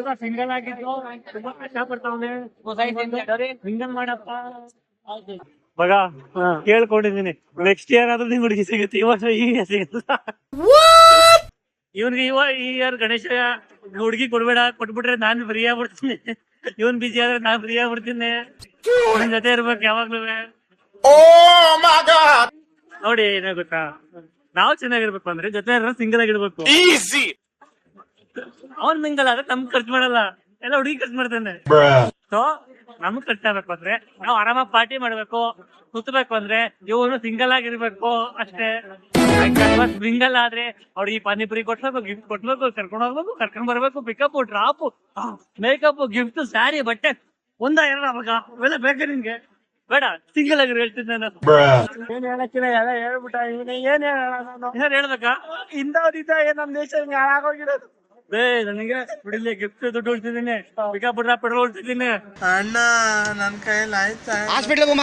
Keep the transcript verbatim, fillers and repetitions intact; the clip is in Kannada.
ಸಿಂಗಲ್ ಆಗಿದ್ದು ತುಂಬಾ ಕಷ್ಟ ಪಡ್ತಾವನೆ. ಸಿಂಗಲ್ ಮಾಡಪ್ಪ ಮಗ, ಕೇಳ್ಕೊಂಡಿದೀನಿ ನೆಕ್ಸ್ಟ್ ಇಯರ್ ಆದ್ರೂ ನಿಂಗೆ ಹುಡುಗಿ ಸಿಗುತ್ತೆ, ಈ ವರ್ಷ ಈಗ ಸಿಗಲ್ಲ. ಇವನ್ಗೆ ಇವ ಈ ಇಯರ್ ಗಣೇಶ ಹುಡುಗಿ ಕೊಡ್ಬೇಡ, ಕೊಟ್ಬಿಟ್ರೆ ನಾನ್ ಫ್ರೀ ಆಗ್ಬಿಡ್ತೀನಿ. ಇವನ್ ಬಿಜಿ ಆದ್ರೆ ನಾನ್ ಫ್ರೀ ಆಗ್ಬಿಡ್ತೀನಿ. ನಿನ್ ಜೊತೆ ಇರ್ಬೇಕು ಯಾವಾಗ್ಲೂ. ನೋಡಿ ಏನ ಗೊತ್ತಾ, ನಾವ್ ಚೆನ್ನಾಗಿರ್ಬೇಕು ಅಂದ್ರೆ ಜೊತೆ ಸಿಂಗಲ್ ಆಗಿರ್ಬೇಕು. ಅವನ್ ಮಿಂಗಲ್ ಆದ್ರೆ ನಮ್ಗ್ ಖರ್ಚು ಮಾಡಲ್ಲ, ಎಲ್ಲ ಹುಡುಗಿ ಖರ್ಚು ಮಾಡ್ತಾನೆ. ಸೊ ನಮ್ಗ್ ಖರ್ಚಾಗಬೇಕು ಅಂದ್ರೆ ನಾವ್ ಆರಾಮಾಗಿ ಪಾರ್ಟಿ ಮಾಡ್ಬೇಕು, ಸುತ್ತಬೇಕು ಅಂದ್ರೆ ಇವನು ಸಿಂಗಲ್ ಆಗಿರ್ಬೇಕು ಅಷ್ಟೇ. ಸಿಂಗಲ್ ಆದ್ರೆ ಅವ್ರಿಗೆ ಪಾನಿಪುರಿ ಕೊಡ್ಬೇಕು, ಗಿಫ್ಟ್ ಕೊಡ್ಬೇಕು, ಕರ್ಕೊಂಡ್ ಹೋಗ್ಬೇಕು, ಕರ್ಕೊಂಡ್ ಬರ್ಬೇಕು, pickup, drop, makeup, gift, sari, ಬಟ್ಟೆ ಒಂದ ಎರಡ ಅವಾಗ ಇವೆಲ್ಲ ಬೇಕಾ ನಿನ್ಗೆ? ಬೇಡ, ಸಿಂಗಲ್ ಆಗಿ ಹೇಳ್ತೀನಿ ನಾನು. ಏನ್ ಹೇಳಕ್ಕಿಲ್ಲ, ಎಲ್ಲ ಹೇಳ್ಬಿಟ್ಟ ಇವನೇ. ಏನ್ ಏನ್ ಹೇಳ್ಬೇಕಾ? ಇಂಥವ್ರಿದ್ದ ನಮ್ ದೇಶ ಹಿಂಗೆ ಹಾಳಾಗೋಗಿರೋದು. ಬೇ ನನಗೆ ಬಿಡಿಲಿ, ಗಿಫ್ಟ್ ದುಡ್ಡು ಉಳ್ತಿದ್ದೀನಿ, ಪಿಕಪ್ ಡ್ರಾಪ್ ಪೆಟ್ರೋಲ್ ಉಳ್ತಿದ್ದೀನಿ. ಅಣ್ಣ ನನ್ ಕೈಯಲ್ಲಿ ಆಯ್ತಾ?